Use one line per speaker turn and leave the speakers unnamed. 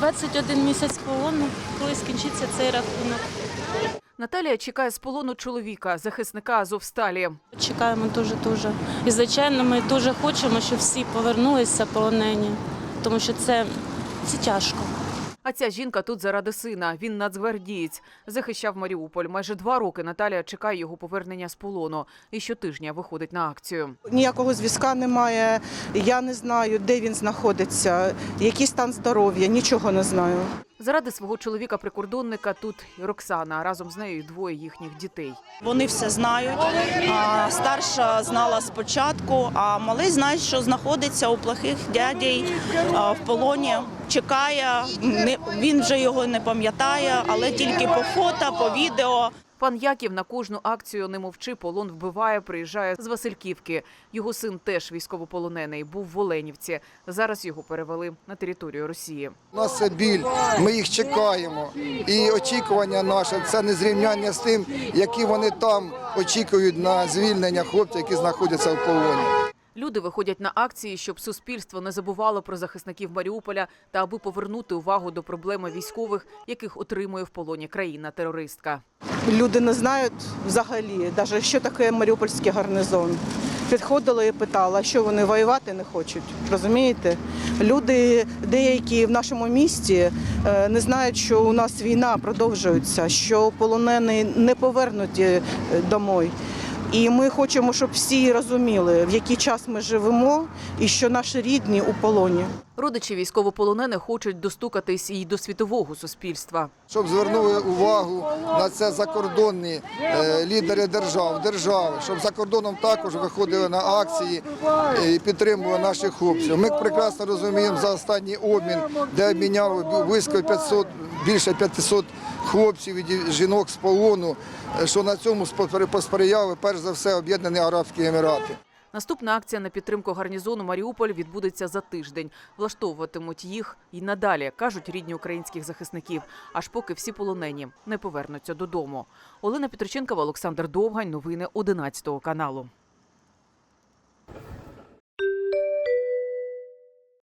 21 місяць полону, коли скінчиться цей рахунок.
Наталія чекає з полону чоловіка, захисника Азовсталі.
Чекаємо дуже-дуже. І, звичайно, ми дуже хочемо, щоб всі повернулися полонені, тому що це тяжко.
А ця жінка тут заради сина. Він нацгвардієць. Захищав Маріуполь. Майже 2 роки Наталія чекає його повернення з полону. І щотижня виходить на акцію.
Ніякого зв'язка немає. Я не знаю, де він знаходиться, який стан здоров'я, нічого не знаю.
Заради свого чоловіка-прикордонника тут і Роксана, а разом з нею 2 їхніх дітей.
Вони все знають. Старша знала спочатку, а малий знає, що знаходиться у плохих дядей в полоні. Чекає, він вже його не пам'ятає, але тільки по фото, по відео.
Пан Яків на кожну акцію «Не мовчи, полон вбиває» приїжджає з Васильківки. Його син теж військовополонений, був в Оленівці. Зараз його перевели на територію Росії.
У нас це біль, ми їх чекаємо. І очікування наше – це незрівняння з тим, які вони там очікують на звільнення хлопців, які знаходяться в полоні.
Люди виходять на акції, щоб суспільство не забувало про захисників Маріуполя та аби повернути увагу до проблеми військових, яких отримує в полоні країна-терористка.
Люди не знають взагалі, навіть що таке Маріупольський гарнізон. Підходила і питала, що вони воювати не хочуть, розумієте? Люди деякі в нашому місті не знають, що у нас війна продовжується, що полонені не повернуті домой. І ми хочемо, щоб всі розуміли, в який час ми живемо і що наші рідні у полоні.
Родичі військовополонених хочуть достукатись і до світового суспільства.
Щоб звернули увагу на це закордонні лідери держави, щоб за кордоном також виходили на акції і підтримували наших хлопців. Ми прекрасно розуміємо за останній обмін, де обміняли близько 500, більше 500 хлопців і жінок з полону, що на цьому посприяли перш за все Об'єднані Арабські Емірати.
Наступна акція на підтримку гарнізону Маріуполь відбудеться за тиждень. Влаштовуватимуть їх і надалі, кажуть рідні українських захисників, аж поки всі полонені не повернуться додому. Олена Петриченкова, Олександр Довгань. Новини 11 каналу.